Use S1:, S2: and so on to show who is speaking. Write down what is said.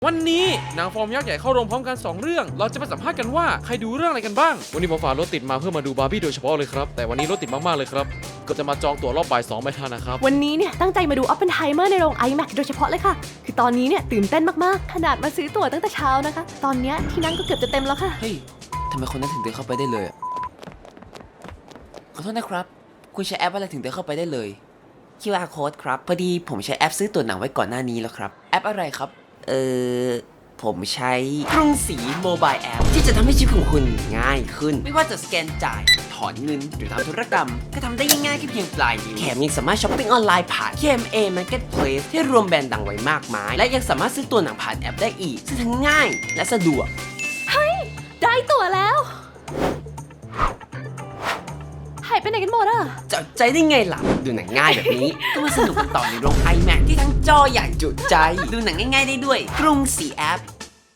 S1: วันนี้หนังฟอร์มยักษ์ใหญ่เข้าโรงพร้อมกัน2เรื่องเราจะไปสัมภาษณ์กันว่าใครดูเรื่องอะไรกันบ้างวันนี้ผมฝ่ารถติดมาเพื่อมาดูบาร์บี้โดยเฉพาะเลยครับแต่วันนี้รถติดมากๆเลยครับก็จะมาจองตั๋วรอบบ่าย2ไม่ทันนะครับ
S2: วันนี้เนี่ยตั้งใจมาดู Oppenheimer ในโรง IMAX โดยเฉพาะเลยค่ะคือตอนนี้เนี่ยตื่นเต้นมากๆขนาดมาซื้อตั๋วตั้งแต่เช้านะคะตอนนี้ที่นั่งก็เกือบจะเต็มแล้วค่ะ
S3: เฮ้ยทำไมคนนั้นถึงเดินเข้าไปได้เลยขอโทษนะครับคุณใช้แอปอะไรถึงเดินเข้าไปได้เลย QR code ครับพอดีผมใช้แอปซื้อตั๋วหนังไว้ก่อนหน้านี้แล้วครับแอปอะไรครับผมใช้กรุงศรีโมบายแอปที่จะทำให้ชีวิตของคุณง่ายขึ้นไม่ว่าจะสแกนจ่ายถอนเงินหรือทำธุรกรรมก็ทำได้ง่ายๆแค่เพียงปลายนิ้วแถมยังสามารถช้อปปิ้งออนไลน์ผ่าน KMA Marketplace ที่รวมแบรนด์ดังไว้มากมายและยังสามารถซื้อตั๋วหนังผ่านแอปได้อีกซึ่งทั้งง่ายและสะดวก
S2: ได้ตั๋วแล้วหายไปไหนกันหมดอะ
S3: จะใจได้ไงล่ะดูหนังง่ายแบบนี้ก็มาสนุกกันต่อในโรง IMAX ที่ทั้งจอใหญ่จุใจดูหนังง่ายๆได้ด้วยกรุงศรีแอป